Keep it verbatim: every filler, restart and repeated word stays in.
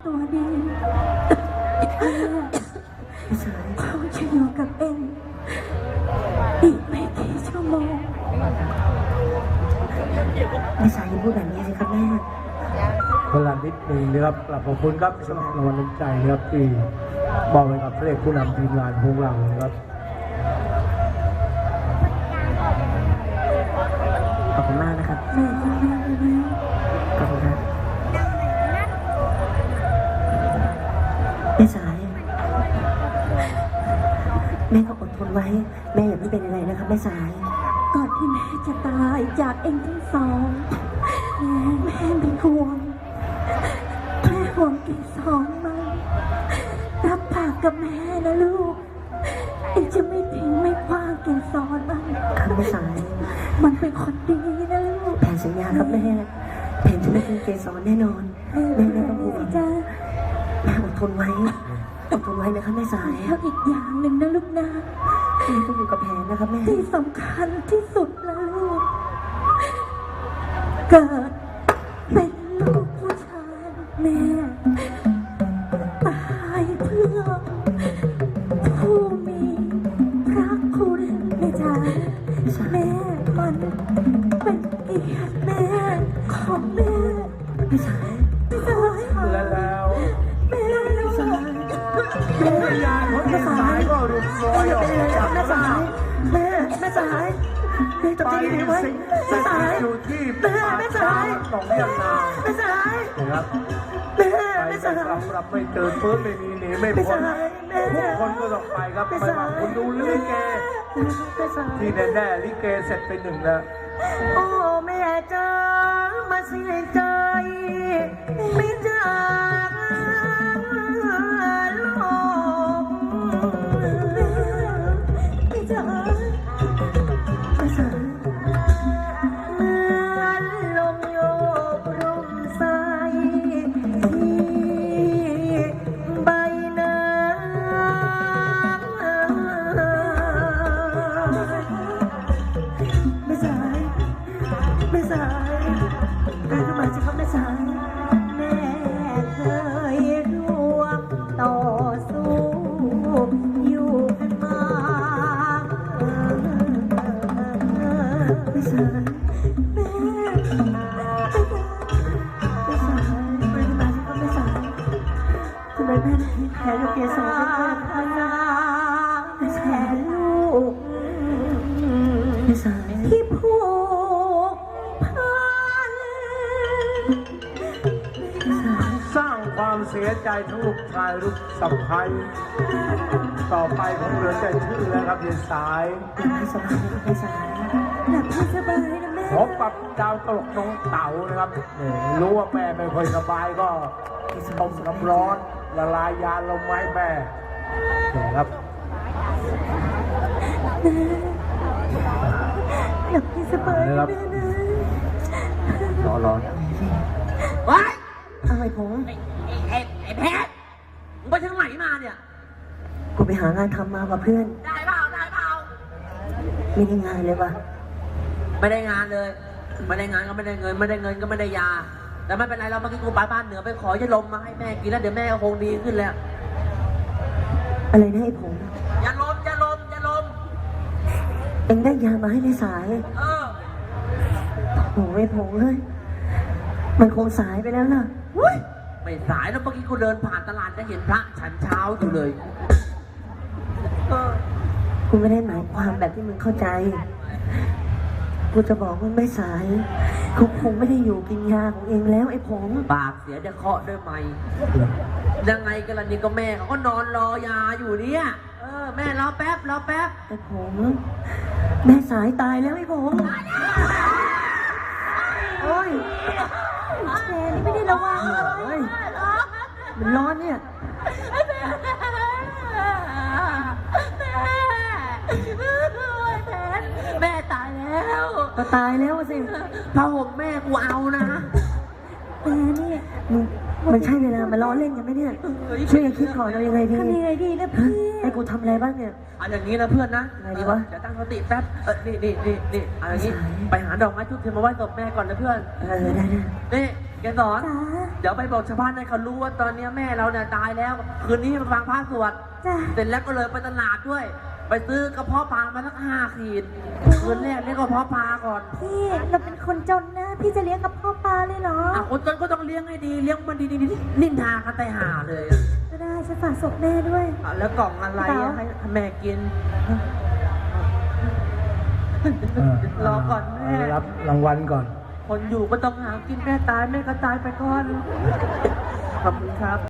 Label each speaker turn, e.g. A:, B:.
A: ตัวดีเขาจะอยู่กับเองอีกไม่กี่ชั่วโมง
B: ไม่สายยังพูดแบบนี้สิครับแม่
C: พลังนิดหนึ่งนะครับกลับขอบคุณครับสำหรับรางวัลน้ำใจนะครับที่มอบให้กับพระเอกผู้นำทีมงานของเรานะครับ
B: ขอบคุณมากนะครับ
A: แม่ก็แม่เลยนะ
B: ขอบคุณครับแม่สายแม่ก็อดทนไว้แม่อย่าเพิ่งเป็นอะไรนะครับแม่สาย
A: ก่อนที่แม่จะตายจากเองทั้งสองแม่แม่เป็นห่วงแม่ห่วงกี่สองมารับปากกับแม่นะลูกเองจะไม่ทิ้งไม่คว้างเกสรมัน
B: ครับแม่สาย
A: มันเป็นคนดีนะลูก
B: แผนสัญญาครับแม่แผนจะไม่ทิ้งเกสรแน่นอนแม่ไม่ต้องห่วง
A: จ้า
B: แม่อดทนไว้อดทนไว้นะครับแม่สาย
A: แล้วอีกอย่างหนึ่งนะลูกนะ
B: แม่ต้องอยู่กับแผนนะครับแม่
A: ที่สำคัญที่สุดนะลูกเกิดเป็นลูกผู้ชายแม่ตายเพื่อผู้มีพระคุณแม่จ๋าแม่มันเป็นเกียรติแม่ของแม่
B: ไม่ใช่
A: ไม่ใช่
C: และแล้ว
A: แม่ไม่ใช่
C: ดวงวิญญาณของแม่สายก็รุนร้อยออกจาก
B: แม่สายแม่แม่สายแม่จำใจดีไว้แม่สาย
C: อยู่ที่
B: แม่แม่สาย
C: หนองเรียงนา
B: แม่สาย
C: นะครับ
B: แม่
C: ไป
B: แม่
C: จะ
B: สาย
C: รับรับไม่เจอฟื้นไม่มีหนีไม่พ้นทุกคนก็ต้องไปครับไม่ว่าคุณดูลิเกที่แน่ๆลิเกเสร็จไปหนึ่งแล้ว
B: โอ้แม่จ้ามาเสียใจไม่จากโลก
A: ไม่จ๋า
B: ไม่สายเหมือนลมโยกลมใสที่ใบหน้าไม่สายไม่สายตื่นขึ้นมาสิครับไม่สาย
A: แม่เคยร่วมต่อสู้อยู่กันมา
B: ไม่สาย
A: แม่
B: ไม่สายตื่นขึ้นมาสิครับไม่สายทำไมแม่ถึงแพ้กับเกสร
A: พนาแทนลูก
B: ไม่สาย
A: ที่ผูกพัน
C: สร้างความเสียใจทั้งลูกชายลูกสะใภ้ต่อไปผมเหลือแต่ชื่อแล้วครับยายสาย
B: ไม่สบายไม่สาย
A: หลับให้สบายนะแม่
C: พบกับดาวตลกน้องเต๋านะครับเนี่ยรู้ว่าแม่ไม่ค่อยสบายก็ต้มน้ำร้อนละลายยาลมไม้แม่เนี่ยครับ
A: หลับให้สบายนะแม่นะ
C: รอรอ
B: ว้ายอะไรผม
D: ไอ้ไอ้ไอ้แพทมึงไปทางไหนมาเนี่ย
B: กูไปหางานทำมากับเพื่อน
D: ได้เปล่าได้เปล่า
B: ไม่ได้งานเลยว่ะ
D: ไม่ได้งานเลยไม่ได้งานก็ไม่ได้เงินไม่ได้เงินก็ไม่ได้ยาแต่ไม่เป็นไรเราเมื่อกี้กูไปบ้านเหนือไปขอยาลมมาให้แม่กินแล้วเดี๋ยวแม่ก็คงดีขึ้นแล้ว
B: อะไรนะไอ้ผม
D: ยาลมยาลมยาลม
B: เอ็งได้ยามาให้ในสาย
D: เออ
B: โอ้ยผมเลยมันคงสายไปแล้วล่ะ
D: ไม่สายแล้วเมื่อกี้กูเดินผ่านตลาดจะเห็นพระฉันเช้าอยู่เลยเออ
B: กูไม่ได้หมายความแบบที่มึงเข้าใจกูจะบอกว่าไม่สายกูคงไม่ได้อยู่กินยาของเองแล้วไอ้ผม
D: ปากเสียจะเคาะด้วยไหมยังไงกันล่ะนี่ก็แม่เขาก็นอนรอยาอยู่เนี่ยเออแม่รอแป๊บรอแป๊บ
B: ไอ้ผมแม่สายตายแล้วไอ้ผมโอ้ย
A: แม่นี่ไม่ได้ระวังเลย
B: มันร้อนเนี่ย
D: แม่ตายแล้ว
B: ก็ตายแล้วสิ
D: ผ้าห่มแม่กูเอานะ
A: แม่นี่
B: มึงมันใช่เวลามาล้อเล่นกันไหมเนี่ยช่วยกันคิดก่อนเอายังไงดี
A: ทำยังไงดีนะพี่
B: ให้กูทำอะไรบ้างเนี่ย
D: เอาอย่างนี้นะเพื่อนนะ
B: ไงดีวะ
D: เดี๋ยวตั้งสติแป๊บเออนี่นี่นี่นี่เอาอย่างนี้ไปหาดอกไม้ทุกทีมาไหว้ศพแม่ก่อนนะเพื่อน
B: เออได้ได้
D: นี่แกสอน
A: จ้า
D: เดี๋ยวไปบอกชาวบ้านให้เขารู้ว่าตอนนี้แม่เราเนี่ยตายแล้ว คืนนี้มาฟังพระสวด
A: จ้า
D: เสร็จแล้วก็เลยไปตลาดด้วย ไปซื้อกระเพาะปลามาสักห้าขีด คืนแรกเรียกกระเพาะปลาก่อน
A: พี่เราเป็นคนจนนะ พี่จะเลี้ยงกับพ่อปลาเลยเหรอ
D: อ่ะคนจนก็ต้องเลี้ยงให้ดี เลี้ยงมันดีๆนินทากันไตหาเลย
A: ก็ได้จะฝากศพแม่ด้วย
D: อ่ะแล้วกล่องอะไรอ่ะให้แม่กิน รอก่อนแม่
C: รับรางวัลก่อน
D: คนอยู่ก็ต้องหากินแม่ตายแม่ก็ตายไปก่อน ขอบคุณครับ